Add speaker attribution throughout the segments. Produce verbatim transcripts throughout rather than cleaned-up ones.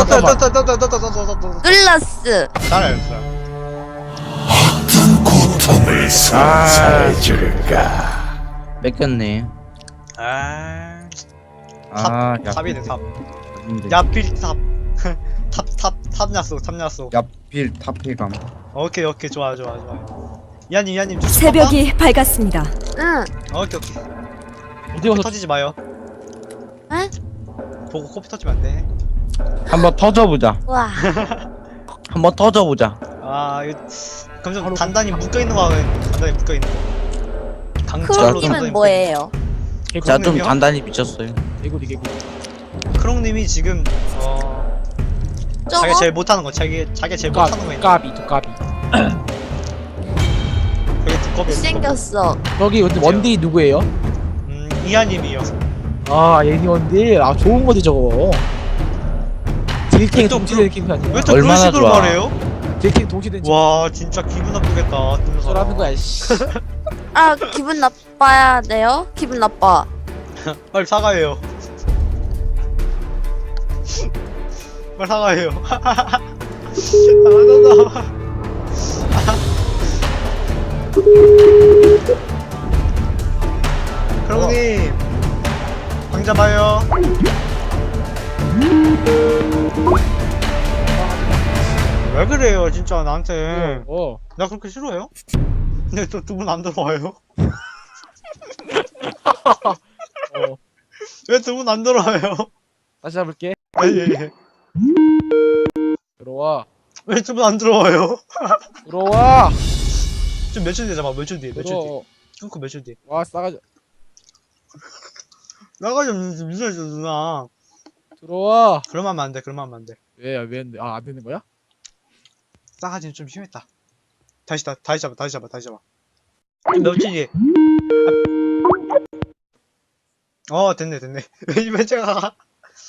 Speaker 1: 잠깐만.
Speaker 2: 떠떠떠떠떠떠떠떠떠떠
Speaker 3: 글라스.
Speaker 2: 잘했어.
Speaker 4: 고통을
Speaker 1: 아.
Speaker 4: 선사해줄까?
Speaker 1: 뺏겼네.
Speaker 2: 아,
Speaker 1: 아, 야,
Speaker 2: 탑이네 탑.
Speaker 1: 근데
Speaker 2: 야필 탑. 탑탑 탑냐소 탑냐소.
Speaker 1: 야필 탑필감.
Speaker 2: 오케이 오케이 좋아 좋아 좋아. 이하님 이하님 좀
Speaker 5: 새벽이 밝았습니다.
Speaker 3: 응.
Speaker 2: 어, 오케이 오케이.
Speaker 6: 어디 가서
Speaker 2: 터지지 마요.
Speaker 3: 에?
Speaker 2: 보고 코피 터지면 안 돼.
Speaker 1: 한번 터져보자.
Speaker 3: 와.
Speaker 1: 한번 터져보자.
Speaker 2: 아 이거 그럼 좀 단단히 묶여 있는 거 하면 단단히 묶여 있는 거. 강철로
Speaker 3: 크롱님은 뭐예요?
Speaker 1: 자, 좀
Speaker 2: 크롱님이요?
Speaker 1: 단단히 미쳤어요.
Speaker 6: 개구리 개구리.
Speaker 2: 크롱님이 지금 어
Speaker 3: 저거?
Speaker 2: 자기 제일 못하는 거 자기 자기 제일 못하는 거 있는.
Speaker 6: 까비 두까비.
Speaker 2: 되게 두꺼비.
Speaker 3: 생겼어.
Speaker 6: 저기 근데 원딜이 누구예요?
Speaker 2: 음 이하님이요.
Speaker 6: 아 예니 원딜. 아 좋은 거지 저거. 딜탱
Speaker 2: 왜 또
Speaker 6: 동시된 캠프 아니야?
Speaker 2: 왜 또 그런
Speaker 1: 얼마나
Speaker 2: 식으로
Speaker 1: 좋아.
Speaker 2: 말해요?
Speaker 6: 딜탱 동시된 캠프.
Speaker 2: 와 진짜 기분 나쁘겠다. 듣는 사람.
Speaker 6: 라는 거야 씨.
Speaker 3: 아 기분 나빠야 돼요? 기분 나빠.
Speaker 2: 빨리 사과해요. 빨리 사과해요. 아, 나, 나. 크롱님 방자 봐요. 왜 그래요 진짜 나한테.
Speaker 6: 어.
Speaker 2: 나 그렇게 싫어해요? 근데 또 두 분 안 들어와요?
Speaker 6: 어.
Speaker 2: 왜 두 분 안 들어와요?
Speaker 6: 다시 해볼게.
Speaker 2: 예예예.
Speaker 6: 들어와.
Speaker 2: 왜 두 분 안 들어와요?
Speaker 6: 들어와.
Speaker 2: 좀 며칠 뒤에 잡아. 며칠 뒤에. 며칠 뒤에.
Speaker 6: 들어.
Speaker 2: 끊고 며칠 뒤에.
Speaker 6: 와 싸가지.
Speaker 2: 나가지 없는 미소리 누나.
Speaker 6: 들어와.
Speaker 2: 그러면 하면 안 돼. 그러면 하면 안 돼.
Speaker 6: 왜 왜 안 돼? 아안 되는 거야?
Speaker 2: 싸가지는 좀 심했다. 다시 다 다시 잡아. 다시 잡아. 다시 잡아. 좀 며칠 뒤에. 아. 어 됐네 됐네. 왜 제가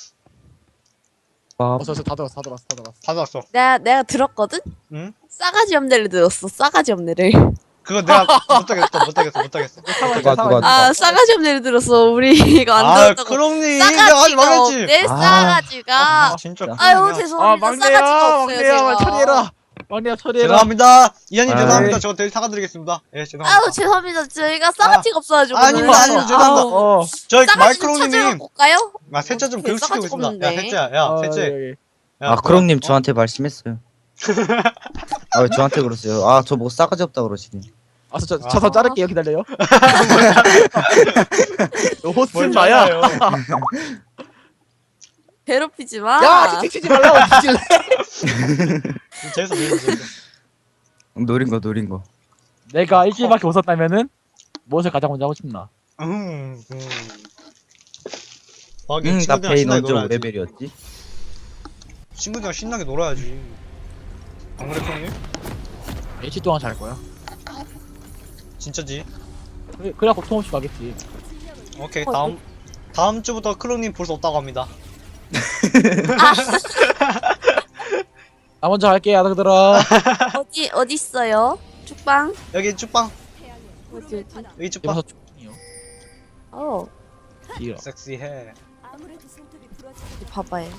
Speaker 1: 밥.
Speaker 6: 어서 어서 다 들었어 다 들었어 다 들었어.
Speaker 2: 다 왔어.
Speaker 3: 내가 내가 들었거든?
Speaker 2: 응?
Speaker 3: 싸가지 없네를 들었어. 싸가지 없네를.
Speaker 2: 그거 내가 못하겠어. 못하겠어. 못하겠어.
Speaker 1: 누가 누가
Speaker 3: 아 싸가지 없네를 들었어. 우리 이거 안
Speaker 2: 아
Speaker 3: 들었다고.
Speaker 2: 크롱님 내가 하지
Speaker 3: 싸가지가
Speaker 2: 말랬지.
Speaker 3: 없네.
Speaker 1: 아.
Speaker 3: 싸가지가.
Speaker 2: 진짜.
Speaker 3: 아유
Speaker 2: 크롱이야.
Speaker 3: 죄송합니다.
Speaker 6: 아 막내야
Speaker 3: 싸가지가 없어요
Speaker 6: 막내야
Speaker 3: 제가.
Speaker 6: 처리해라. 막내야 처리해라.
Speaker 2: 죄송합니다. 이한님
Speaker 1: 아이.
Speaker 2: 죄송합니다. 저 되게 사과드리겠습니다. 예 죄송합니다.
Speaker 3: 아유 죄송합니다. 저희가 싸가지가 없어가지고.
Speaker 2: 아닙니다, 아닙니다. 죄송합니다.
Speaker 6: 어.
Speaker 2: 저희
Speaker 3: 싸가지 좀 찾으러
Speaker 2: 말크롱님이
Speaker 3: 볼까요?
Speaker 2: 아 셋째 좀
Speaker 3: 되게
Speaker 2: 교육시키고
Speaker 3: 싸가지가
Speaker 2: 있습니다. 야
Speaker 3: 없는데.
Speaker 2: 셋째야, 야
Speaker 6: 어,
Speaker 2: 셋째.
Speaker 6: 여기, 여기.
Speaker 2: 야,
Speaker 1: 아, 크롱님
Speaker 2: 어?
Speaker 1: 저한테 말씀했어요. 아, 왜 저한테 그러세요? 아, 저 뭐 싸가지 없다 그러시니.
Speaker 6: 아, 저,
Speaker 2: 아.
Speaker 6: 저서 자를게요. 기다려요. 너 호스트
Speaker 2: 뭘
Speaker 6: 나야.
Speaker 2: 잘라요.
Speaker 3: 괴롭히지 마.
Speaker 6: 야, 채팅 치지 말라고 뒤질래.
Speaker 2: 재밌어 재밌어 재밌어.
Speaker 1: 노린 거, 노린 거.
Speaker 6: 내가 일주일밖에 웃었다면은 무엇을 가장 먼저 하고 싶나?
Speaker 2: 음. 음. 아,
Speaker 1: 응,
Speaker 2: 응,
Speaker 1: 나
Speaker 2: 친구들이랑
Speaker 1: 페인
Speaker 2: 신나게
Speaker 1: 언제 오
Speaker 2: 놀아야지.
Speaker 1: 레벨이었지?
Speaker 2: 친구들이랑 신나게 놀아야지. 안 그래 크롱님?
Speaker 6: 일주일 동안 잘 거야.
Speaker 2: 진짜지?
Speaker 6: 그래, 그래야 고통 없이 가겠지.
Speaker 2: 오케이
Speaker 3: 어,
Speaker 2: 다음 다음 주부터 크롱님 볼 수 없다고 합니다.
Speaker 6: 나 먼저 갈게, 아들들아.
Speaker 3: 어디 어디 있어요? 죽방?
Speaker 2: 여기 쭉빵
Speaker 3: 어디 어디?
Speaker 2: 여기 쭉빵.
Speaker 6: 여기서 쭉이요.
Speaker 3: 어
Speaker 6: 길어.
Speaker 2: 섹시해.
Speaker 3: 어디 봐봐요.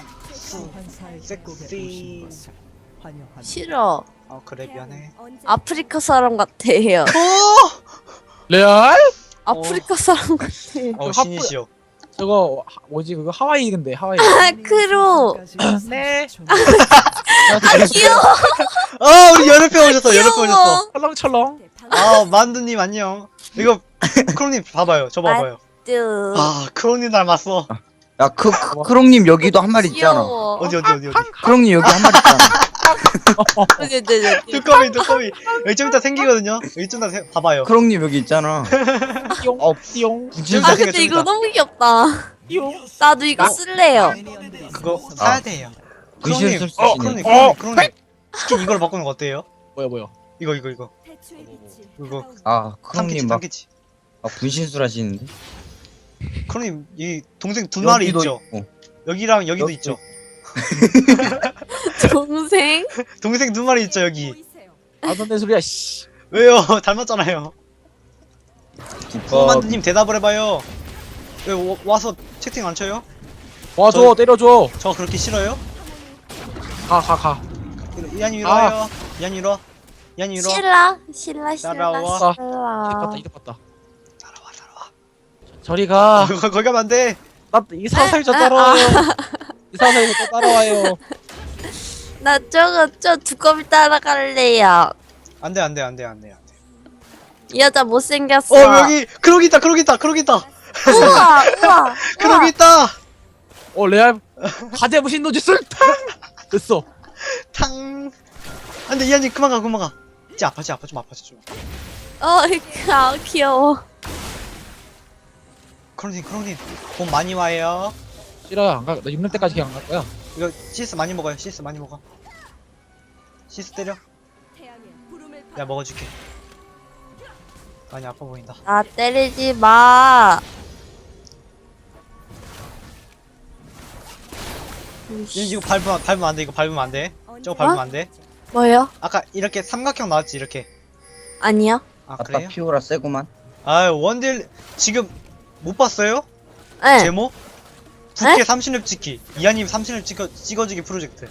Speaker 2: 섹시.
Speaker 3: 싫어.
Speaker 2: 어 그래 미안해.
Speaker 3: 아프리카 사람 같아요.
Speaker 6: 레알?
Speaker 3: 아프리카 사람 같아.
Speaker 2: 어
Speaker 6: 하프-
Speaker 2: 신이시여.
Speaker 6: 저거 하- 뭐지 그거 하와이 근데 하와이.
Speaker 3: 아 크로.
Speaker 6: 네.
Speaker 3: 아 귀여워.
Speaker 2: 아 우리 연애표 오셨어. 연애표 오셨어.
Speaker 6: 철렁철렁.
Speaker 2: 아 만두님 안녕. 이거 크롱님 봐봐요. 저 봐봐요.
Speaker 3: 뜨.
Speaker 2: 아 크롱님 닮았어.
Speaker 1: 야, 크, 크, 크롱님 여기도 한 마리 있잖아.
Speaker 3: 귀여워.
Speaker 2: 어디 어디 어디 어디.
Speaker 1: 크롱님 여기 한 마리 있잖아.
Speaker 3: 어디 어디 어디.
Speaker 2: 두꺼비 두꺼비. 여기 좀 이따 생기거든요. 여기 좀 이따 생- 봐봐요.
Speaker 1: 크롱님 여기 있잖아.
Speaker 6: 띠용.
Speaker 1: 어,
Speaker 6: 띠용.
Speaker 1: 무슨
Speaker 3: 아
Speaker 2: 생겨,
Speaker 3: 근데
Speaker 2: 좀
Speaker 3: 이거
Speaker 2: 이따.
Speaker 3: 너무 귀엽다.
Speaker 6: 띠용.
Speaker 3: 나도 이거 쓸래요.
Speaker 2: 그거 사야 돼요.
Speaker 1: 귀신
Speaker 2: 크롱님,
Speaker 1: 쓸수
Speaker 2: 어,
Speaker 1: 있네.
Speaker 2: 크롱님, 크롱님, 크롱님. 스킨 이걸로 바꾸는 거 어때요?
Speaker 6: 뭐야 뭐야.
Speaker 2: 이거 이거 이거 이거
Speaker 1: 아,
Speaker 2: 탐키치
Speaker 1: 크롱님 막
Speaker 2: 탐키치.
Speaker 1: 아, 분신술 하시는데?
Speaker 2: 크롱님 이 동생 두 마리
Speaker 1: 여기도
Speaker 2: 있죠?
Speaker 1: 있고.
Speaker 2: 여기랑 여기도
Speaker 1: 여기.
Speaker 2: 있죠?
Speaker 3: 동생.
Speaker 2: 동생 두 마리 있죠 여기?
Speaker 6: 아던데 소리야 씨.
Speaker 2: 왜요? 닮았잖아요.
Speaker 1: 두꺼비.
Speaker 2: 소만두님 대답을 해봐요. 왜 와, 와서 채팅 안 쳐요?
Speaker 6: 와줘
Speaker 2: 저-
Speaker 6: 때려줘.
Speaker 2: 저 그렇게 싫어요?
Speaker 6: 가 가 가.
Speaker 2: 이한이 위로 와요. 이한이 위로. 이한이 위로.
Speaker 3: 신라 신라 신라
Speaker 2: 따라와.
Speaker 6: 이득
Speaker 3: 신라.
Speaker 6: 봤다 이득 봤다.
Speaker 2: 따라와 따라와.
Speaker 6: 저리 가.
Speaker 2: 거- 거기 가면 안 돼.
Speaker 6: 나 이사살자
Speaker 3: 아,
Speaker 6: 따라와요. 이사살자 따라와요.
Speaker 3: 나 저거 저 두꺼비 따라갈래요.
Speaker 2: 안 돼, 안 돼, 안 돼, 안 돼, 안 돼.
Speaker 3: 이 여자 못생겼어.
Speaker 2: 어, 여기 크록 있다. 크록 있다. 크록 있다.
Speaker 3: 우와 우와.
Speaker 2: 크록
Speaker 3: 우와.
Speaker 2: 있다.
Speaker 6: 어 레알 가대부 신노지술 됐어.
Speaker 2: 탕. 안 돼, 이한이 그만 가. 그만 가. 쟤 아파. 쟤 아파. 좀 아파. 좀.
Speaker 3: 어 아, 귀여워.
Speaker 2: 크록님, 크록님. 돈 많이 와요.
Speaker 6: 싫어요 안 가. 나 육 년 때까지 그냥 안 갈 거야.
Speaker 2: 이거 시스 많이 먹어요. 시스 많이 먹어. 시스 때려. 내가 먹어줄게. 많이 아파 보인다.
Speaker 3: 나 때리지 마.
Speaker 2: 이거 이거 밟으면 밟으면 안 돼. 이거 밟으면 안 돼. 저거 밟으면
Speaker 3: 어?
Speaker 2: 안 돼.
Speaker 3: 뭐요?
Speaker 2: 아까 이렇게 삼각형 나왔지 이렇게.
Speaker 3: 아니요.
Speaker 2: 아
Speaker 1: 아빠
Speaker 2: 그래요?
Speaker 1: 피오라 세구만.
Speaker 2: 아 원딜 지금 못 봤어요?
Speaker 3: 네.
Speaker 2: 제목? 국회 삼십 렙 찍기. 이하님 삼십 렙 찍어 찍어주기 프로젝트.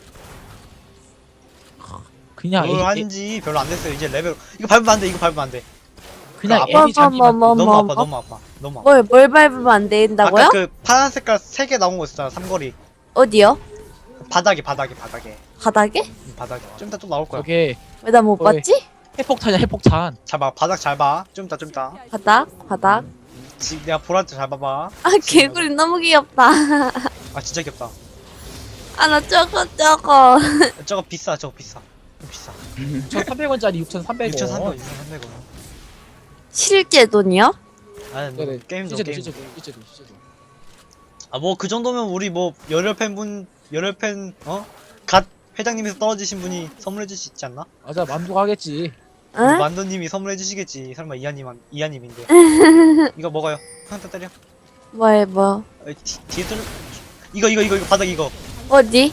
Speaker 6: 그냥
Speaker 2: 뭘
Speaker 6: 애, 애,
Speaker 2: 한지 별로 안 됐어요. 이제 레벨 이거 밟으면 안 돼. 이거 밟으면 안 돼.
Speaker 6: 그냥
Speaker 2: 아,
Speaker 6: 애니 잔디만.
Speaker 3: 뭐,
Speaker 2: 너무
Speaker 3: 뭐,
Speaker 2: 아파.
Speaker 3: 뭐?
Speaker 2: 너무 아파. 너무 아파.
Speaker 3: 뭘, 뭘 밟으면 안 된다고요?
Speaker 2: 아까 그 파란 색깔 세 개 나온 거 있었잖아. 삼거리.
Speaker 3: 어디요?
Speaker 2: 바닥에 바닥에 바닥에.
Speaker 3: 바닥에?
Speaker 2: 음, 바닥에. 좀 이따 또 나올 거야.
Speaker 6: 저게
Speaker 3: 왜 나 못
Speaker 6: 거기.
Speaker 3: 봤지?
Speaker 6: 핵폭탄이야 핵폭탄.
Speaker 2: 잘 봐. 바닥 잘 봐. 좀 이따 좀 이따.
Speaker 3: 바닥? 바닥?
Speaker 2: 지, 내가 보라 때 잘 봐봐.
Speaker 3: 아 개구리 너무 귀엽다.
Speaker 2: 아 진짜 귀엽다.
Speaker 3: 아 나 저거 저거.
Speaker 2: 저거 비싸. 저거 비싸. 좀 비싸.
Speaker 6: 육천삼백 원짜리 육천삼백 원.
Speaker 2: 육천삼백 원. 육천삼백 원.
Speaker 3: 실제 돈이요?
Speaker 2: 아니
Speaker 6: 네네.
Speaker 2: 뭐 게임도
Speaker 6: 실제도
Speaker 2: 게임.
Speaker 6: 실제도 실제도 실제도.
Speaker 2: 아 뭐 그 정도면 우리 뭐 열혈 팬분 열혈 팬 어? 갓 회장님에서 떨어지신 분이 선물해 줄 수 있지 않나?
Speaker 6: 맞아 만족하겠지.
Speaker 3: 응?
Speaker 2: 만두님이 선물해 주시겠지. 설마 이하님 이하님인데. 이거 먹어요. 한테 때려.
Speaker 3: 뭐해 뭐?
Speaker 2: 어, 뒤, 뒤에 뚫. 이거 이거 이거 이거 바닥 이거.
Speaker 3: 어디?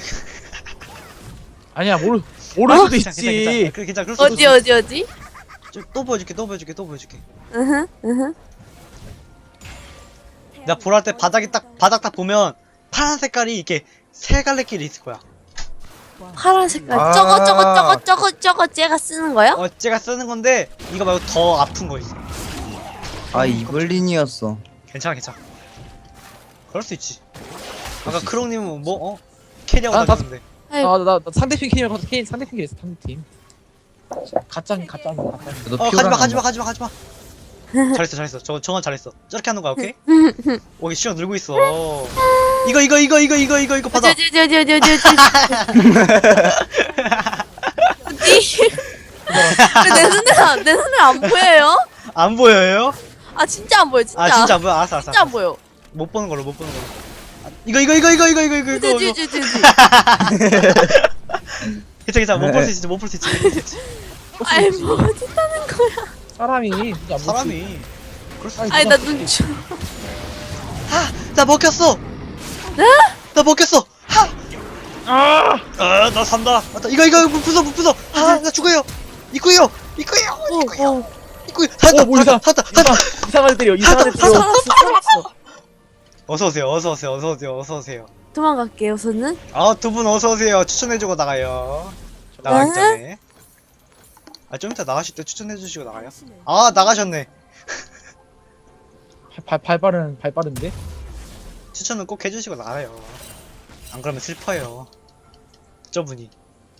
Speaker 6: 아니야 모르 모를 수도
Speaker 2: 괜찮아, 괜찮아,
Speaker 6: 있지.
Speaker 2: 괜찮아. 그 괜찮아. 그럴 수도
Speaker 3: 어디
Speaker 2: 있어.
Speaker 3: 어디 어디?
Speaker 2: 좀, 또 보여줄게. 또 보여줄게. 또 보여줄게.
Speaker 3: 으흠 으흠.
Speaker 2: 내가 보랄 때 바닥이 딱 바닥 딱 보면 파란 색깔이 이렇게 세 갈래 길이 있을 거야.
Speaker 3: 파란 색깔.
Speaker 1: 아.
Speaker 3: 저거 저거 저거 저거 저거 쟤가 쓰는 거요?
Speaker 2: 어, 제가 쓰는 건데 이거 말고 더 아픈 거 있어.
Speaker 1: 아 이블린이었어.
Speaker 2: 괜찮아, 괜찮아. 그럴 수 있지. 아까 크롱님은 뭐 어? 캐리하고
Speaker 6: 아, 나-
Speaker 2: 다녔는데.
Speaker 3: 아이고.
Speaker 6: 아나 나 상대팀 게임을 봐서 게임 상대팀 게임 상대팀. 가짱 가짱 가짱.
Speaker 1: 너
Speaker 2: 어,
Speaker 1: 피오라
Speaker 2: 가지마, 가지마, 가지마, 가지마. 잘했어, 잘했어. 저 정원 잘했어. 저렇게 하는 거야, 오케이? 오, 시간 늘고 있어. 이거, 이거, 이거, 이거, 이거, 이거, 이거 받아.
Speaker 3: 어디 어디 어디 어디 어디 어디. 어디? 내 눈에 안- 내 눈에 안 보여요?
Speaker 2: 안 보여요?
Speaker 3: 아 진짜 안 보여 진짜.
Speaker 2: 아, 진짜 안 보여. 알았어, 알았어.
Speaker 3: 진짜 안 보여.
Speaker 2: 못 보는 걸로, 못 보는 걸로. 아, 이거, 이거, 이거, 이거, 이거, 이거, 이거,
Speaker 3: 어디
Speaker 2: 이거.
Speaker 3: 어디
Speaker 2: 이거.
Speaker 3: 어디 어디.
Speaker 2: 괜찮아, 괜찮아. 못 볼 수 있지, 못 볼 수 있지, 못 볼 수 있지.
Speaker 3: 아이 뭐 어디 있다는 거야?
Speaker 6: 사람이 진짜 못
Speaker 2: 사람이. 그럴 수 있지.
Speaker 3: 아니 나 눈 쳐.
Speaker 2: 나 먹혔어!
Speaker 3: 네?
Speaker 2: 나 먹혔어! 하!
Speaker 6: 아!
Speaker 2: 아, 나 산다. 맞다. 이거, 이거, 문 부숴, 문 부숴. 아, 나 죽어요. 입구요, 입구요, 입구요,
Speaker 3: 어, 어.
Speaker 2: 입구요. 살았다,
Speaker 6: 어, 뭐 이상-
Speaker 2: 살았다, 살았다.
Speaker 6: 이상 이상하게 때려 이상하게 때려.
Speaker 2: 어서 오세요, 어서 오세요, 어서 오세요, 어서 오세요.
Speaker 3: 도망갈게요 우선은.
Speaker 2: 아, 두 분 어서 오세요. 추천해주고 나가요. 나가기
Speaker 3: 네?
Speaker 2: 전에. 아, 좀 이따 나가실 때 추천해주시고 나가요. 아, 나가셨네.
Speaker 6: 발, 발, 발 빠른 발 빠른데?
Speaker 2: 추천은 꼭 해주시고 나가요. 안 그러면 슬퍼요. 저분이.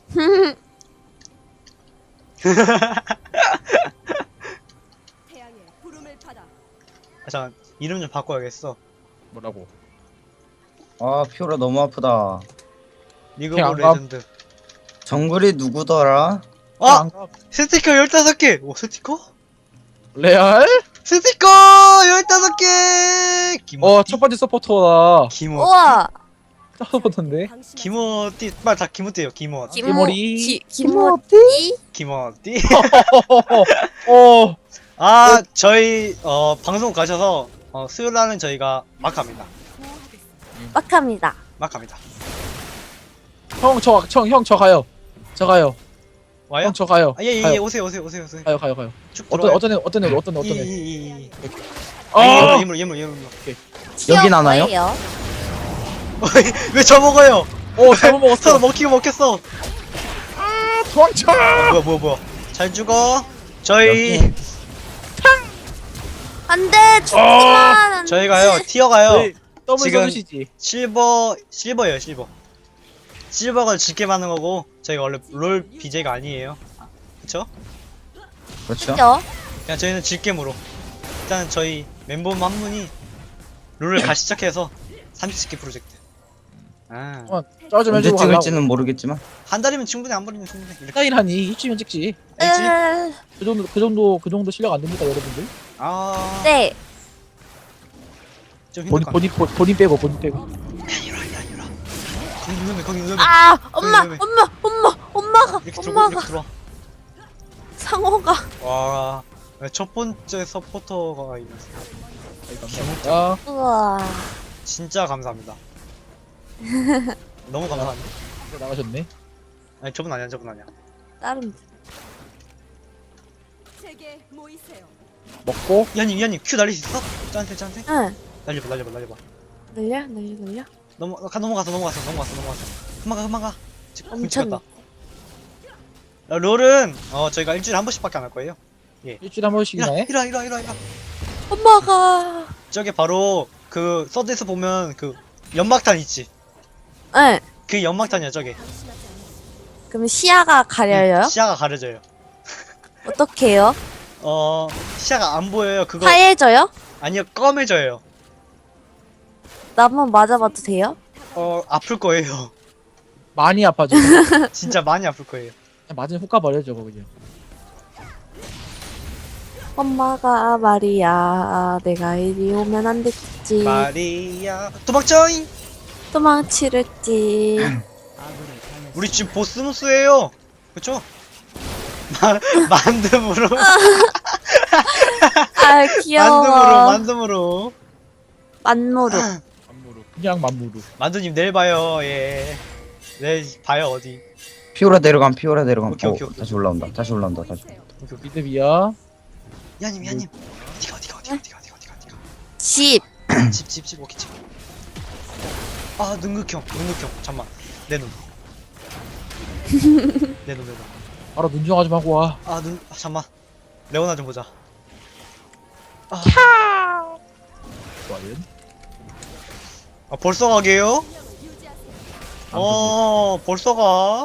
Speaker 2: 아, 잠깐 이름 좀 바꿔야겠어.
Speaker 6: 뭐라고?
Speaker 1: 아 피오라 너무 아프다.
Speaker 2: 리그
Speaker 6: 그냥
Speaker 2: 오브
Speaker 6: 안 가.
Speaker 2: 레전드.
Speaker 1: 정글이 누구더라?
Speaker 2: 아!
Speaker 6: 안 가.
Speaker 2: 스티커 열다섯 개! 오, 스티커?
Speaker 6: 레알?
Speaker 2: 스티커 열다섯 개! 김어.
Speaker 6: 어 첫 번째 서포터다.
Speaker 2: 김어.
Speaker 3: 우와.
Speaker 6: 첫 서포터인데?
Speaker 2: 김어띠, 빨리 다 김어띠요, 김어.
Speaker 3: 김-
Speaker 6: 머리.
Speaker 3: 기 김어띠?
Speaker 2: 김어띠.
Speaker 6: 어.
Speaker 2: 아, 저희, 어, 방송 가셔서, 어, 수요일 날은 저희가 막 합니다.
Speaker 3: 빡합니다.
Speaker 2: 막 합니다.
Speaker 6: 형, 저, 형, 형, 저 가요. 저 가요.
Speaker 2: 와요?
Speaker 6: 형, 저 가요.
Speaker 2: 아, 예, 예, 예,
Speaker 6: 가요.
Speaker 2: 오세요, 오세요, 오세요, 오세요.
Speaker 6: 가요, 가요, 가요.
Speaker 2: 쭉
Speaker 6: 어떤,
Speaker 2: 들어와요.
Speaker 6: 어떤 애, 어떤 애, 어떤 애, 어떤
Speaker 2: 이,
Speaker 6: 애.
Speaker 2: 이, 이, 이.
Speaker 6: 아!
Speaker 2: 예물, 예물, 예물, 예물.
Speaker 1: 여긴 안 와요?
Speaker 3: 뭐예요?
Speaker 2: 왜 저 먹어요?
Speaker 6: 오 잘못
Speaker 2: 서로
Speaker 6: 먹었어.
Speaker 2: 먹히고 먹혔어.
Speaker 6: 도망쳐.
Speaker 2: 어, 뭐야 뭐야 뭐야. 잘 죽어. 저희
Speaker 3: 안돼 죽지만 안돼.
Speaker 2: 저희가요 티어가요
Speaker 6: 저희 더블
Speaker 2: 지금-
Speaker 6: 써주시지.
Speaker 2: 실버 실버예요 실버. 실버가 짙게 많은 거고 저희가 원래 롤 비제가 아니에요. 그쵸?
Speaker 1: 그렇죠.
Speaker 3: 그죠?
Speaker 2: 그냥 저희는 질겜으로 일단 저희 멤버 한 분이 롤을 같이 시작해서 삼십 개 프로젝트. 아,
Speaker 6: 어, 쩌좀
Speaker 1: 언제
Speaker 6: 해주고 가려고.
Speaker 1: 찍을지는 모르겠지만
Speaker 2: 한 달이면 충분히 안 버리면 충분해. 이렇게
Speaker 6: 사인 하니 이쯤이면 찍지.
Speaker 2: 알지?
Speaker 3: 으,
Speaker 6: 그 정도 그 정도 그 정도 실력 안 됩니까 여러분들?
Speaker 2: 아,
Speaker 3: 네.
Speaker 2: 좀
Speaker 6: 본인
Speaker 2: 힘들 것
Speaker 6: 본인 본- 본인 빼고 본인 빼고.
Speaker 2: 같아. 이리와 이리와 이리와. 거기 누르면 거기 누르면
Speaker 3: 아 엄마
Speaker 2: 왜, 왜, 왜?
Speaker 3: 엄마 엄마 엄마가
Speaker 2: 이렇게 들어
Speaker 3: 엄마가
Speaker 2: 이렇게 들어.
Speaker 3: 상어가
Speaker 2: 와, 첫 번째 서포터가 있네.
Speaker 6: 야
Speaker 3: 우와.
Speaker 2: 진짜 감사합니다. 너무 감사합니다.
Speaker 6: 이거 나가셨네.
Speaker 2: 아니 저분 아니야 저분 아니야.
Speaker 3: 다른
Speaker 4: 제게 모이세요.
Speaker 6: 먹고
Speaker 2: 이한님 이한님 큐 날릴 수 있어? 짠테 짠테.
Speaker 3: 응
Speaker 2: 날려봐 날려봐 날려봐.
Speaker 3: 늘려 늘려 늘려
Speaker 2: 넘어 가 넘어갔어 넘어갔어 넘어갔어 넘어갔어. 그만 가 그만 가. 지금
Speaker 3: 엄청
Speaker 2: 다 롤은 어 저희가 일주일에 한 번씩밖에 안 할 거예요.
Speaker 6: 일주일에 한 번씩이나
Speaker 2: 이리와
Speaker 6: 해.
Speaker 2: 이리와 이리와 이리와 이리와.
Speaker 3: 엄마가
Speaker 2: 저게 바로 그 서드에서 보면 그 연막탄 있지.
Speaker 3: 응
Speaker 2: 그 연막탄이야 저게.
Speaker 3: 그럼 시야가 가려요?
Speaker 2: 시야가 가려져요.
Speaker 3: 어떻게요?
Speaker 2: 어 시야가 안 보여요. 그거
Speaker 3: 하얘져요?
Speaker 2: 아니요 검해져요.
Speaker 3: 나 한번 맞아봐도 돼요?
Speaker 2: 어 아플 거예요.
Speaker 6: 많이 아파져.
Speaker 2: 진짜 많이 아플 거예요.
Speaker 6: 그냥 맞으면 훅 가버려 저거 그냥.
Speaker 3: 엄마가 말이야 내가 이리 오면 안 됐지
Speaker 2: 마리아 도망쳐잉.
Speaker 3: 도망치랬지
Speaker 2: 우리 지금 보스무스예요. 그쵸? 마, 만듦으로
Speaker 3: 아
Speaker 2: 만듦으로
Speaker 3: 귀여워
Speaker 2: 만듦으로
Speaker 3: 만무르
Speaker 6: 만무루. 그냥 만무루.
Speaker 2: 만두님 내일 봐요. 예. 내일 봐요 어디.
Speaker 1: 피오라 내려감 피오라 내려감.
Speaker 2: 오케이,
Speaker 1: 어,
Speaker 2: 오케이, 오케이.
Speaker 1: 다시 올라온다. 다시 올라온다. 다시.
Speaker 6: 미드비야.
Speaker 2: 야님 야님 어디가 어디가 어디가 어디가 어디가 어디가 어디가.
Speaker 3: 집
Speaker 2: 집집집 오케이 집. 아 능극형 능극형 잠만 내 눈. 내 눈 내 눈.
Speaker 6: 바로 눈정화 좀 하고 와.
Speaker 2: 아 눈 아, 잠만 레오나 좀 보자. 아,
Speaker 6: 과연?
Speaker 2: 아 벌써 가게요? 어 벌써 가.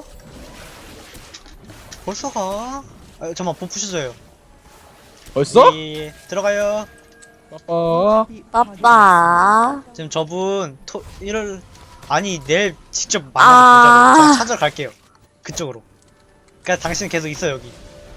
Speaker 2: 벌써 가. 아 잠만 보 푸셔줘요.
Speaker 6: 벌써?
Speaker 2: 예, 예. 들어가요.
Speaker 6: 빠빠.
Speaker 3: 빠빠
Speaker 2: 지금 저분 토 일을 아니 내일 직접
Speaker 3: 아.
Speaker 2: 만나서 보자고. 저 찾으러 갈게요. 그쪽으로. 그니까 당신 계속 있어 여기.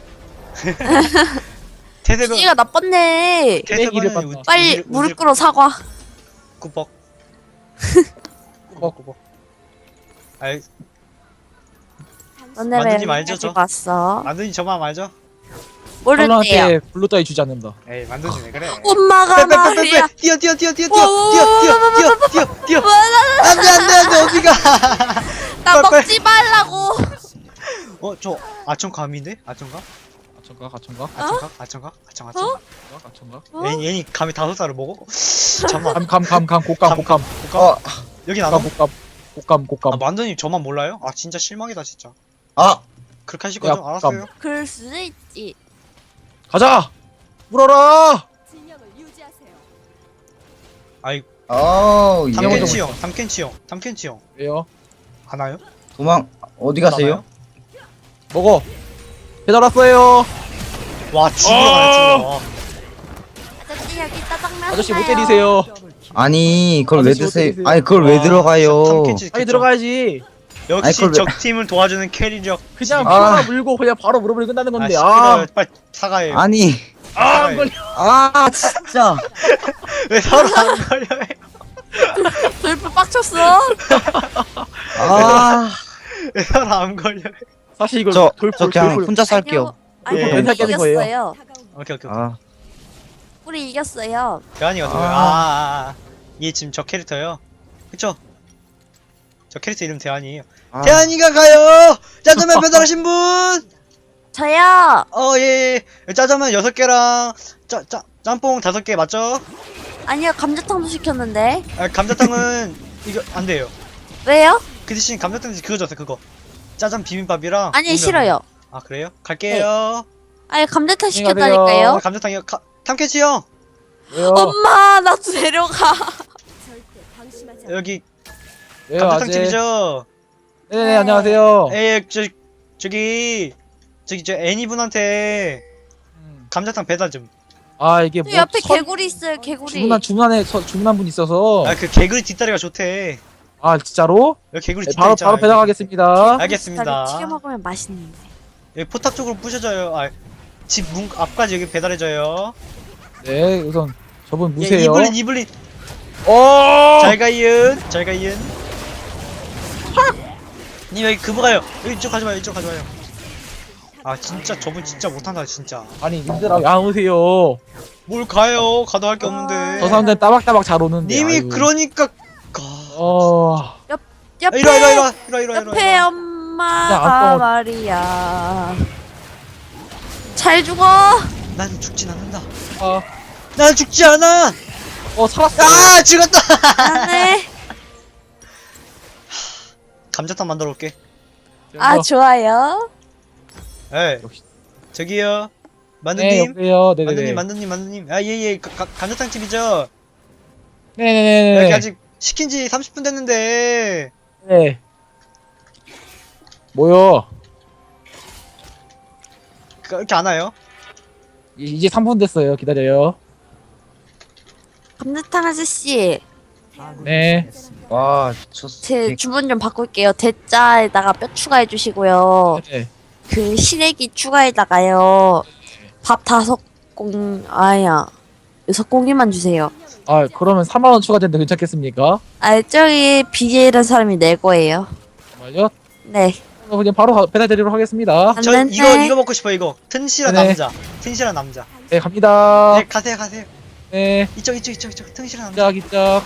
Speaker 2: 태세가
Speaker 3: 기가 나빴네
Speaker 6: 쓰레기를
Speaker 2: 태세가
Speaker 6: 봤나.
Speaker 3: 빨리 무릎 꿇어 사과
Speaker 2: 꾸벅.
Speaker 6: 꾸벅.
Speaker 2: 꾸벅. 아이
Speaker 3: 너네 왜
Speaker 2: 만두님 알죠,
Speaker 3: 여기까지
Speaker 2: 저?
Speaker 3: 왔어?
Speaker 2: 만두님 저만 알죠?
Speaker 3: 모른대요
Speaker 6: 컬러한테 블루 따위 주지 않는다.
Speaker 2: 에이 만두님 왜 그래?
Speaker 3: 엄마가 말이야
Speaker 2: 뛰어 뛰어 뛰어 뛰어 뛰어 뛰어 뛰어 뛰어 뛰어 뛰어. 안돼 안돼 안돼 어디가?
Speaker 3: 나
Speaker 2: 빨리,
Speaker 3: 먹지 말라고
Speaker 2: 어저 아청감인데? 아청감?
Speaker 6: 가천가 가천가
Speaker 2: 아청각? 아청각? 아청 아청.
Speaker 6: 가천가.
Speaker 3: 어?
Speaker 2: 얘니 얘니 감이 다섯 살을 먹어? 잠만.
Speaker 6: 감감감감 곡감 곡감
Speaker 2: 어 여기 나가.
Speaker 6: 곡감 곡감 곡감
Speaker 2: 아
Speaker 6: 곡감.
Speaker 2: 만두님 저만 몰라요? 아 진짜 실망이다 진짜.
Speaker 1: 아
Speaker 2: 그렇게 하실 거죠?
Speaker 6: 야,
Speaker 2: 알았어요.
Speaker 3: 그럴 수도 있지
Speaker 6: 가자. 물어라.
Speaker 4: 진영을 유지하세요.
Speaker 2: 아이
Speaker 1: 아우
Speaker 6: 당근
Speaker 1: 예.
Speaker 6: 좀-
Speaker 2: 담켄치 형, 담켄치 형, 담켄치 형
Speaker 6: 왜요?
Speaker 2: 하나요?
Speaker 1: 도망 어디 가세요?
Speaker 6: 먹어. 배달 왔어요.
Speaker 2: 와 죽으러 가네 죽으러. 와.
Speaker 3: 아저씨 여기 짜장면
Speaker 6: 아저씨 못
Speaker 3: 하나요?
Speaker 6: 때리세요.
Speaker 1: 아니 그걸 왜
Speaker 6: 아저씨
Speaker 1: 드세요?
Speaker 6: 어떻게
Speaker 1: 아니 그걸 왜
Speaker 2: 와,
Speaker 1: 들어가요?
Speaker 2: 담켄치
Speaker 6: 빨리
Speaker 2: 그쵸?
Speaker 6: 들어가야지.
Speaker 1: 아니,
Speaker 2: 역시
Speaker 1: 그걸 왜-
Speaker 2: 적 팀을 도와주는 캐리력.
Speaker 6: 그냥
Speaker 1: 아.
Speaker 6: 피오라 물고 그냥 바로 물어버리 끝나는 건데.
Speaker 2: 아,
Speaker 6: 아,
Speaker 2: 시끄러워. 빨리 사과해.
Speaker 1: 아니
Speaker 6: 아, 안 걸려.
Speaker 1: 아 진짜
Speaker 2: 왜 서로 안 걸려요?
Speaker 3: 돌프 빡쳤어
Speaker 1: 아
Speaker 2: 왜 서로 안 걸려요?
Speaker 6: 사실 이걸
Speaker 1: 저,
Speaker 6: 돌풀
Speaker 1: 저 그냥
Speaker 6: 돌풀
Speaker 1: 혼자 살게요.
Speaker 3: 아니
Speaker 2: 예.
Speaker 3: 우리
Speaker 6: 맨날 깨는 거예요.
Speaker 3: 이겼어요
Speaker 2: 오케이 오케이. 오케이.
Speaker 1: 아
Speaker 3: 우리 이겼어요
Speaker 2: 대환이가 누구야?
Speaker 1: 아.
Speaker 2: 아, 아, 아. 얘 지금 저 캐릭터요. 그쵸? 저 캐릭터 이름 대환이에요.
Speaker 1: 아.
Speaker 2: 대환이가 가요. 짜장면 배달하신 분.
Speaker 3: 저요
Speaker 2: 어 예. 예. 짜장면 여섯 개랑 짜짜 짬뽕 다섯 개 맞죠?
Speaker 3: 아니요 감자탕도 시켰는데
Speaker 2: 아, 감자탕은 이거 안 돼요.
Speaker 3: 왜요?
Speaker 2: 그 대신 감자탕 그거 줬어요 그거. 짜장 비빔밥이랑.
Speaker 3: 아니
Speaker 2: 우면.
Speaker 3: 싫어요.
Speaker 2: 아 그래요? 갈게요.
Speaker 3: 아니 감자탕
Speaker 6: 안녕히 가세요.
Speaker 3: 시켰다니까요.
Speaker 2: 아, 감자탕이요. 가, 탐캐치 형
Speaker 6: 왜요?
Speaker 3: 엄마 나 데려가.
Speaker 4: 절대 방심하지 않아.
Speaker 2: 여기
Speaker 6: 왜요
Speaker 2: 감자탕
Speaker 6: 아재?
Speaker 2: 집이죠.
Speaker 6: 네네 안녕하세요.
Speaker 2: 에 저 저기 저기 저 애니 분한테
Speaker 6: 음.
Speaker 2: 감자탕 배달 좀.
Speaker 6: 아 이게 뭐
Speaker 3: 저 옆에
Speaker 6: 선-
Speaker 3: 개구리 있어요 개구리.
Speaker 6: 주문한 주문한에 서- 주문한 분 있어서
Speaker 2: 아 그 개구리 뒷다리가 좋대.
Speaker 6: 아 진짜로?
Speaker 2: 여기 개구리
Speaker 6: 네,
Speaker 2: 뒷다리
Speaker 6: 바로
Speaker 2: 있잖아요.
Speaker 6: 바로 배달하겠습니다.
Speaker 2: 알겠습니다.
Speaker 3: 튀겨 먹으면 맛있는데.
Speaker 2: 여기 포탑 쪽으로 부셔져요. 아, 집 문 앞까지 여기 배달해줘요.
Speaker 6: 네 우선 저분
Speaker 2: 예,
Speaker 6: 무세요.
Speaker 2: 이블린 이블린.
Speaker 6: 어.
Speaker 2: 잘 가이은 잘 가이은. 님 여기 그거 가요. 여기 이쪽 가지 마요. 이쪽 가지 마요. 아 진짜 저분 진짜 못한다 진짜.
Speaker 6: 아니 님들아 안 오세요.
Speaker 2: 뭘 가요? 가도 할 게 없는데.
Speaker 6: 저 사람들 따박따박 잘 오는데.
Speaker 2: 님이
Speaker 6: 아이고.
Speaker 2: 그러니까. 가.
Speaker 6: 어.
Speaker 3: 옆에
Speaker 2: 이리 와 이리 와 이리 와 이리 와 이리 와.
Speaker 3: 옆에
Speaker 6: 야,
Speaker 3: 엄마가
Speaker 6: 안
Speaker 3: 말이야. 잘 죽어.
Speaker 2: 난 죽진 않는다.
Speaker 6: 어,
Speaker 2: 난 죽지 않아.
Speaker 6: 어 살았어.
Speaker 2: 아 죽었다.
Speaker 3: 안해.
Speaker 2: 감자탕 만들어 올게.
Speaker 3: 아 좋아요.
Speaker 2: 에
Speaker 6: 역시.
Speaker 2: 저기요.
Speaker 6: 네
Speaker 2: 만두님.
Speaker 6: 여보세요. 네네네.
Speaker 2: 만두님 만두님 만두님. 아 예예 감자탕 집이죠.
Speaker 6: 네네네.
Speaker 2: 여기 아직 시킨 지 삼십 분 됐는데.
Speaker 6: 네. 뭐요?
Speaker 2: 그- 이렇게 안 와요?
Speaker 6: 이- 이제 삼 분 됐어요. 기다려요.
Speaker 3: 감자탕 아저씨
Speaker 6: 네.
Speaker 1: 와 미쳤어.
Speaker 3: 제 주문 좀 바꿀게요. 대짜에다가 뼈 추가해 주시고요.
Speaker 6: 네.
Speaker 3: 그 시래기 추가에다가요. 밥 다섯 공 아야 여섯 공기만 주세요.
Speaker 6: 아 그러면 삼만 원 추가된데 괜찮겠습니까?
Speaker 3: 아 저기 비제이라는 사람이 낼 거예요.
Speaker 6: 정말요?
Speaker 3: 네.
Speaker 6: 그럼 그냥 바로 가- 배달드리도록 하겠습니다.
Speaker 3: 안
Speaker 2: 저
Speaker 3: 됐네.
Speaker 2: 이거 이거 먹고 싶어 이거. 튼실한
Speaker 6: 네.
Speaker 2: 남자. 튼실한 남자.
Speaker 6: 네 갑니다.
Speaker 2: 네 가세요 가세요.
Speaker 6: 네.
Speaker 2: 이쪽 이쪽 이쪽 이쪽 튼실한 남자.
Speaker 6: 기짝 기짝.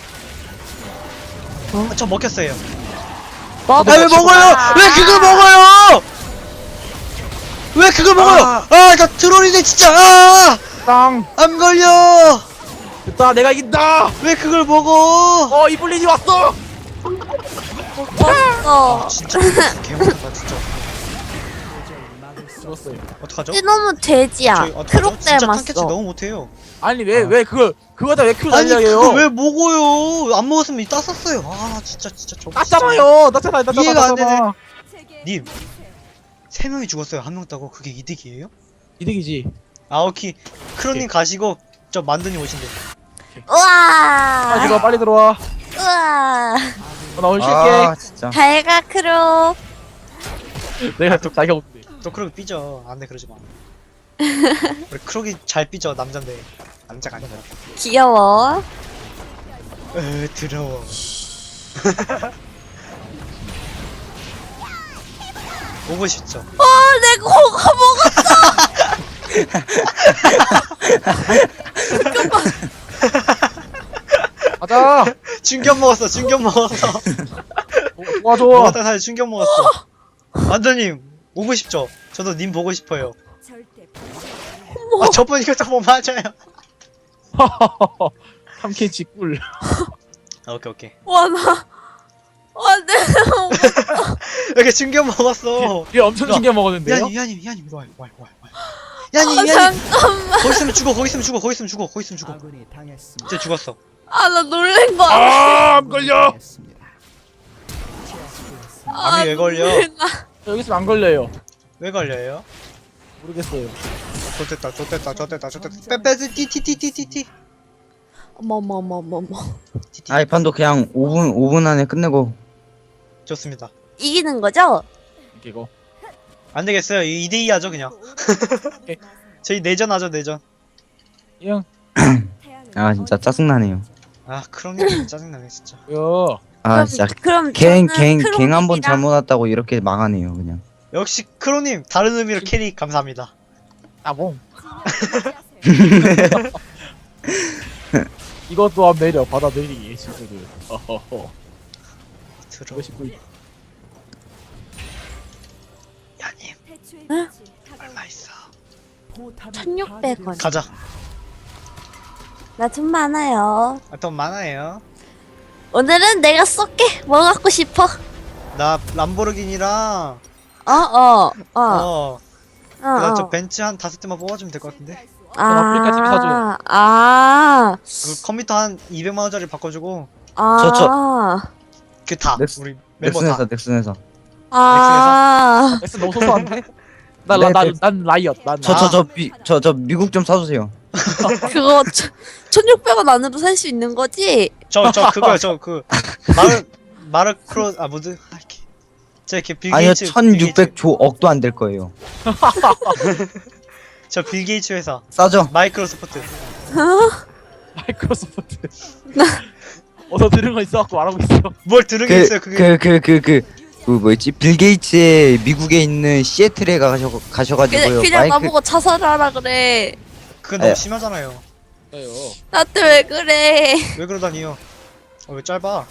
Speaker 2: 아, 저 먹혔어요.
Speaker 3: 뭐?
Speaker 2: 아 왜 먹어요? 왜 그걸 먹어요? 왜 그걸 먹어요?
Speaker 1: 아.
Speaker 2: 아 나 트롤이네 진짜. 아!
Speaker 6: 땅.
Speaker 2: 안 걸려.
Speaker 6: 됐다 내가 이긴다.
Speaker 2: 왜 그걸 먹어?
Speaker 6: 어 이블린이 왔어.
Speaker 3: 어.
Speaker 2: 진짜 개못하다 진짜.
Speaker 6: 죽었어요.
Speaker 2: 어떡하죠?
Speaker 3: 이놈은 돼지야.
Speaker 2: 저희 어떡하죠?
Speaker 3: 크록
Speaker 2: 진짜 탕캐치
Speaker 3: 닮았어.
Speaker 2: 너무 못해요.
Speaker 6: 아니 왜
Speaker 2: 아.
Speaker 6: 왜 그걸 그거다 왜 큐
Speaker 2: 아니
Speaker 6: 날려요?
Speaker 2: 그거 왜 먹어요? 안 먹었으면 이 땄었어요. 아 진짜 진짜 저.
Speaker 6: 땄잖아요. 땄잖아요. 땄잖아.
Speaker 2: 이해가 안
Speaker 6: 땄잖아.
Speaker 4: 제게
Speaker 2: 님.
Speaker 4: 보이세요.
Speaker 2: 세 명이 죽었어요. 한 명 따고 그게 이득이에요?
Speaker 6: 이득이지.
Speaker 2: 아오키 크로님 가시고 저 만두님 오신대.
Speaker 6: 아
Speaker 3: 우와.
Speaker 6: 이거 빨리 들어와.
Speaker 3: 우와.
Speaker 6: 어, 나 오늘 쉴게.
Speaker 1: 아 진짜.
Speaker 3: 잘가 크록.
Speaker 6: 내가 또 자기가 없는데.
Speaker 2: 또 크록이 삐져. 안돼 그러지 마. 우리 크록이 잘 삐져 남잔데 남자가 아니라.
Speaker 3: 귀여워.
Speaker 2: 에 더러워. 보고 싶죠.
Speaker 3: 어, 내 코가 먹었어.
Speaker 6: 가자.
Speaker 2: 충격 먹었어. 충격 먹었어.
Speaker 6: 도와줘.
Speaker 2: 먹었다 사실 충격 먹었어. 만두님 오고 싶죠. 저도 님 보고 싶어요.
Speaker 4: 절대
Speaker 2: 아 저번 이것도 뭐 맞아요.
Speaker 6: 삼캔치 꿀.
Speaker 2: 아, 오케이 오케이.
Speaker 3: 와, 나. 와, 내.
Speaker 2: 이렇게 충격 먹었어.
Speaker 6: 얘 엄청 신경 먹었는데요.
Speaker 2: 야님 야님 야님 이리 와요 와요 와요 와요. 야님
Speaker 3: 아,
Speaker 2: 야님.
Speaker 3: 잠깐만.
Speaker 2: 거기 있으면 죽어 거기 있으면 죽어 거기 있으면 죽어 거기 있으면 죽어. 진짜 죽었어.
Speaker 3: 아, 나 놀란 거 알아.
Speaker 6: 아, 안 걸려.
Speaker 3: 아,
Speaker 2: 암이 왜 걸려?
Speaker 3: 놀라.
Speaker 6: 여기 있으면 안 걸려요.
Speaker 2: 왜 걸려요?
Speaker 6: 모르겠어요.
Speaker 2: 좋됐다 좋됐다 좋됐다 좋됐다 빼빼 띠띠띠띠띠띠.
Speaker 3: 어머, 어머, 어머, 어머, 어머.
Speaker 1: 아 이 판도 그냥 오 분 오 분 안에 끝내고.
Speaker 2: 좋습니다.
Speaker 3: 이기는 거죠?
Speaker 6: 이거.
Speaker 2: 안 되겠어요. 이 대 이 하죠 그냥. 저희 내전 하죠 내전.
Speaker 6: 형.
Speaker 1: 아 진짜 짜증나네요.
Speaker 2: 아 크롬님 짜증나네 진짜.
Speaker 6: 뭐야?
Speaker 1: 아 진짜
Speaker 3: 그럼
Speaker 1: 갱갱갱 한 번 잘못 왔다고 이렇게 망하네요 그냥.
Speaker 2: 역시 크롬님 다른 의미로 캐리 감사합니다.
Speaker 6: 따봉.
Speaker 4: 유지하세요.
Speaker 6: 이것도 안 내려. 받아들이기 친구들. 어허허.
Speaker 2: 들어.
Speaker 6: 보고 싶고.
Speaker 2: 야님
Speaker 4: 태초의
Speaker 3: 응?
Speaker 4: 빛이 다가오고
Speaker 2: 얼마 있어?
Speaker 3: 천육백 원.
Speaker 2: 가자.
Speaker 3: 나 돈 많아요.
Speaker 2: 아, 돈 많아요.
Speaker 3: 오늘은 내가 쏠게. 뭐 갖고 싶어?
Speaker 2: 나 람보르기니랑
Speaker 3: 어, 어, 어,
Speaker 2: 어
Speaker 3: 어.
Speaker 2: 그다음 저
Speaker 3: 어.
Speaker 2: 벤츠 한 다섯 대만 뽑아주면 될 것 같은데.
Speaker 6: 아프리카 티비 사줘요.
Speaker 3: 아,
Speaker 2: 그 컴퓨터 한 이백만 원짜리 바꿔주고
Speaker 3: 아,
Speaker 1: 저, 저.
Speaker 2: 그 다
Speaker 1: 넥스-
Speaker 2: 우리 멤버 다.
Speaker 1: 넥슨에서 넥슨에서.
Speaker 3: 아,
Speaker 6: 엑스 너무 소소한데? 난,
Speaker 1: 네,
Speaker 6: 난,
Speaker 1: 네.
Speaker 6: 난 라이엇. 난
Speaker 1: 저
Speaker 2: 아.
Speaker 1: 저 저 미 저 저 미국 좀 사주세요.
Speaker 3: 그거 천육백 원 안으로 살 수 있는 거지?
Speaker 2: 저 저 그거요 저 그 마르 마르크로 아 뭐지? 아, 이렇게 저 이렇게 빌
Speaker 1: 아니요
Speaker 2: 게이츠
Speaker 1: 천육백 조 억도 안 될 거예요.
Speaker 2: 저빌 게이츠 회사
Speaker 1: 싸죠?
Speaker 2: 마이크로소프트.
Speaker 6: 마이크로소프트. 어서 들은 거 있어갖고 말하고 있어.
Speaker 2: 뭘 들은 게 있어요 그게.
Speaker 1: 그 그 그 그 그 뭐였지? 빌 게이츠의 미국에 있는 시애틀에 가셔 가셔가지고요.
Speaker 3: 그냥, 그냥
Speaker 1: 마이크
Speaker 3: 나보고 자살하라 그래.
Speaker 2: 그건 너무
Speaker 1: 에.
Speaker 2: 심하잖아요.
Speaker 6: 네요.
Speaker 3: 나한테 왜 그래?
Speaker 2: 왜 그러다니요? 어, 왜 짧아?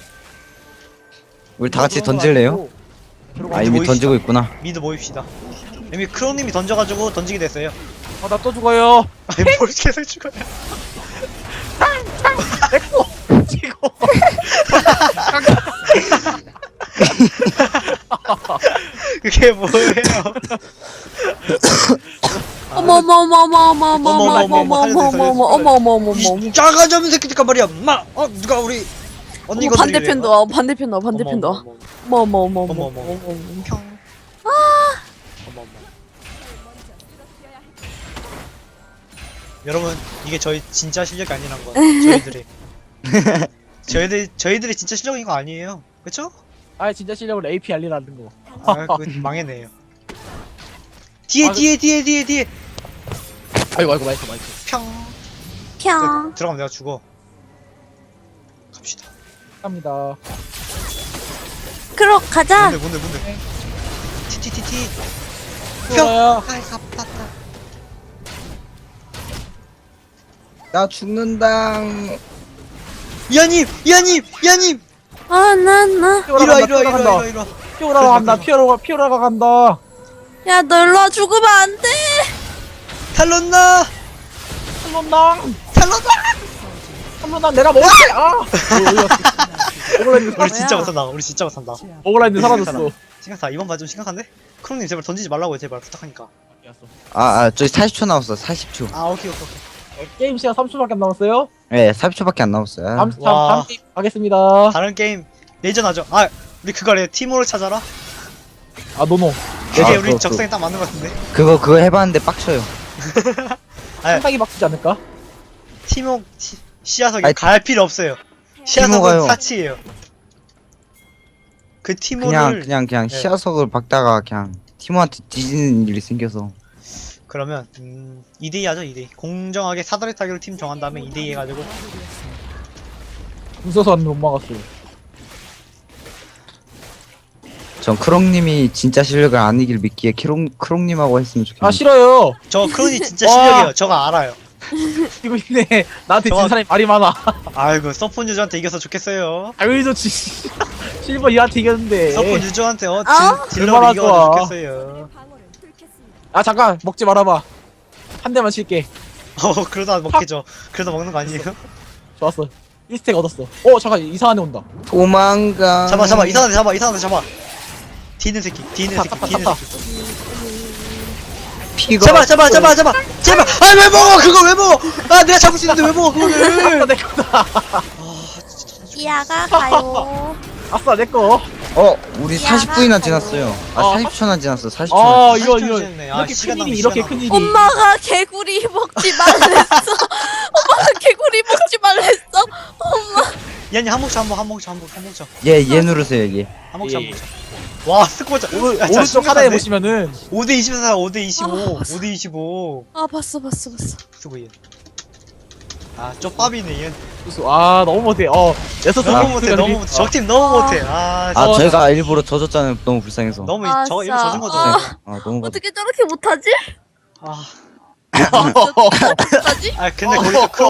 Speaker 1: 우리 다 같이 던질래요? 아 이미
Speaker 2: 모이시다.
Speaker 1: 던지고 있구나.
Speaker 2: 미드 모입시다. 이미 크롱님이 던져가지고 던지게 됐어요.
Speaker 6: 아, 나 또 죽어요.
Speaker 2: 아니 뭘 계속 죽어요?
Speaker 6: 지고.
Speaker 2: 그게 뭐예요?
Speaker 3: 어머 어머 어머 어머 어머 어머
Speaker 2: 어머,
Speaker 3: 어머
Speaker 2: 어머,
Speaker 3: 어머
Speaker 2: 어머,
Speaker 3: 어머 어머 어머 어머 어머 어머 어머
Speaker 2: 이 작아 잡은 새끼니까 말이야. 마, 어 누가 우리 언니
Speaker 3: 어머 반대편도 와 반대편도 와 반대편도 와 어머 어머 어머 어머
Speaker 2: 어머,
Speaker 3: 어머
Speaker 2: 어머.
Speaker 3: 어머
Speaker 2: 평. 어머 어머. 여러분 이게 저희 진짜 실력이 아니란 거. 저희들이. 저희들 저희들이 진짜 실력인 거 아니에요. 그쵸?
Speaker 6: 아, 진짜 실력으로 에이피 알리라는 거.
Speaker 2: 아, 그 망했네요. 뒤에
Speaker 6: 아,
Speaker 2: 뒤에 뒤에 뒤에 뒤에
Speaker 6: 아이고, 아이고, 마이크, 마이크.
Speaker 2: 평.
Speaker 3: 평
Speaker 2: 들어가면 내가 죽어. 갑시다.
Speaker 6: 갑니다.
Speaker 3: 그럼 가자.
Speaker 2: 뭔데 뭔데 뭔데. 티티티티.
Speaker 6: 좋아요.
Speaker 2: 아이 갑았다.
Speaker 1: 나 죽는다.
Speaker 2: 이하님 이하님 이하님.
Speaker 3: 아나나
Speaker 2: 이리와
Speaker 6: 피오라가
Speaker 2: 이리와 이리와
Speaker 6: 간다.
Speaker 2: 이리와 이리와.
Speaker 6: 피오라가 간다. 피오라가, 피오라가 간다.
Speaker 3: 야 너 일로 와 죽으면 안돼.
Speaker 2: 탈론나
Speaker 6: 탈론당.
Speaker 2: 탈론나.
Speaker 6: 탈론당 내가 먹을게. 아. 오글라인드
Speaker 2: 우리
Speaker 6: 사라졌어.
Speaker 2: 진짜 못한다. 우리 진짜 못한다.
Speaker 6: 오글라인드 사라졌어.
Speaker 2: 심각하다. 이번 봐 좀 심각한데? 크롱님 제발 던지지 말라고요 제발 부탁하니까.
Speaker 1: 아, 아 저기 사십 초 남았어. 사십 초.
Speaker 2: 아 오케이 오케이 오케이.
Speaker 6: 게임 시간 삼 초밖에 안 남았어요.
Speaker 1: 네, 사십 초밖에 안 남았어요.
Speaker 6: 다음, 다음,
Speaker 2: 와.
Speaker 6: 다음 게임 가겠습니다.
Speaker 2: 다른 게임 내전 하죠. 아 우리 그거래 티모를 찾아라.
Speaker 6: 아, 노노.
Speaker 2: 그게
Speaker 1: 아,
Speaker 2: 우리
Speaker 1: 그거,
Speaker 2: 적성에 딱 맞는 것 같은데.
Speaker 1: 그거 그거 해봤는데 빡쳐요.
Speaker 2: 아
Speaker 6: 상당히 바꾸지 않을까?
Speaker 2: 티모 티, 시야석이
Speaker 1: 아니,
Speaker 2: 갈 필요 없어요. 시야석은
Speaker 1: 티모가요.
Speaker 2: 사치예요. 그 티모를
Speaker 1: 그냥 그냥 그냥
Speaker 2: 네.
Speaker 1: 시야석을 박다가 그냥 티모한테 뒤지는 일이 생겨서.
Speaker 2: 그러면 음, 이 대 이 하죠 이 대 이. 공정하게 사다리 타기로 팀 정한 다음에 이 대 이 해가지고
Speaker 6: 웃어서 못 막았어.
Speaker 1: 전 크롱님이 진짜 실력을 안 이길 믿기에 크롱 크롱님하고 했으면 좋겠는데.
Speaker 6: 아, 싫어요.
Speaker 2: 저 크론이 진짜
Speaker 6: 와.
Speaker 2: 실력이에요. 저거 알아요.
Speaker 6: 이거 있네. 나한테
Speaker 2: 저거-
Speaker 6: 진 사람이 말이 많아.
Speaker 2: 아이고 서폰 유저한테 이겨서 좋겠어요.
Speaker 6: 당연히 좋지. 실버 이한테 이겼는데.
Speaker 2: 서폰 유저한테 어
Speaker 3: 아?
Speaker 2: 진, 딜러를
Speaker 6: 얼마나
Speaker 2: 이겨서
Speaker 6: 좋아.
Speaker 2: 좋겠어요.
Speaker 6: 아, 잠깐. 먹지 말아봐. 한 대만 칠게.
Speaker 2: 어 그러다 먹겠죠. 그러다 먹는 거 아니에요?
Speaker 6: 좋았어. 일 스택 얻었어. 어, 잠깐. 이상한 애 온다.
Speaker 1: 도망가.
Speaker 2: 잡아 잡아 이상한데 잡아 이상한데 잡아. 뒤는 새끼 뒤는
Speaker 6: 탔다,
Speaker 2: 새끼
Speaker 6: 탔다,
Speaker 2: 뒤는
Speaker 6: 탔다.
Speaker 2: 새끼.
Speaker 1: 피가.
Speaker 2: 잡아 잡아 잡아 잡아 제발. 아 왜 먹어 그거 왜 먹어? 아 내가 잡을 수 있는데 왜 먹어
Speaker 6: 아싸,
Speaker 2: 그거를?
Speaker 6: 내 거다.
Speaker 3: 이아가 가요.
Speaker 6: 아싸, 내 거.
Speaker 1: 어, 우리
Speaker 3: 야,
Speaker 1: 사십 분이나
Speaker 3: 가요.
Speaker 1: 지났어요. 아,
Speaker 6: 어,
Speaker 1: 사십 초나 지났어. 사십 초.
Speaker 6: 아,
Speaker 1: 나
Speaker 6: 이거,
Speaker 2: 사십
Speaker 6: 이거.
Speaker 2: 초 지났네. 아,
Speaker 6: 이렇게
Speaker 2: 시간
Speaker 6: 큰
Speaker 2: 낭비,
Speaker 6: 일이, 이렇게
Speaker 2: 시간
Speaker 6: 큰 일이.
Speaker 3: 엄마가 개구리 먹지 말랬어. 엄마가 개구리 먹지 말랬어. 엄마.
Speaker 2: 야니 한 목차 한 목 한 목차 한 목 한 목차
Speaker 1: 얘, 얘 누르세요, 얘.
Speaker 2: 한 목차 한
Speaker 6: 예,
Speaker 2: 목차. 와 스코어 자
Speaker 6: 오른,
Speaker 2: 야, 진짜
Speaker 6: 오른쪽 하단에
Speaker 2: 심각한데?
Speaker 6: 보시면은.
Speaker 2: 오 대 이십사 오 대 이십오
Speaker 3: 아, 봤어.
Speaker 2: 오 대 이십오
Speaker 3: 아 봤어 봤어 봤어.
Speaker 2: 수고 얘. 아 쪽밥이네 얘.
Speaker 6: 아, 너무 못해. 어, 여섯
Speaker 2: 너무
Speaker 6: 명
Speaker 2: 못해 너무 못해 적팀 너무
Speaker 3: 아.
Speaker 2: 못해. 아,
Speaker 1: 아,
Speaker 6: 어,
Speaker 1: 저희가 일부러 져줬잖아요. 너무 불쌍해서.
Speaker 2: 너무
Speaker 3: 아,
Speaker 2: 저 이거
Speaker 3: 진짜.
Speaker 2: 져준 거죠.
Speaker 3: 아.
Speaker 1: 아, 너무.
Speaker 3: 어떻게 저렇게 못하지?
Speaker 2: 아,
Speaker 3: 어쩌지?
Speaker 2: 아 근데 거기서 크로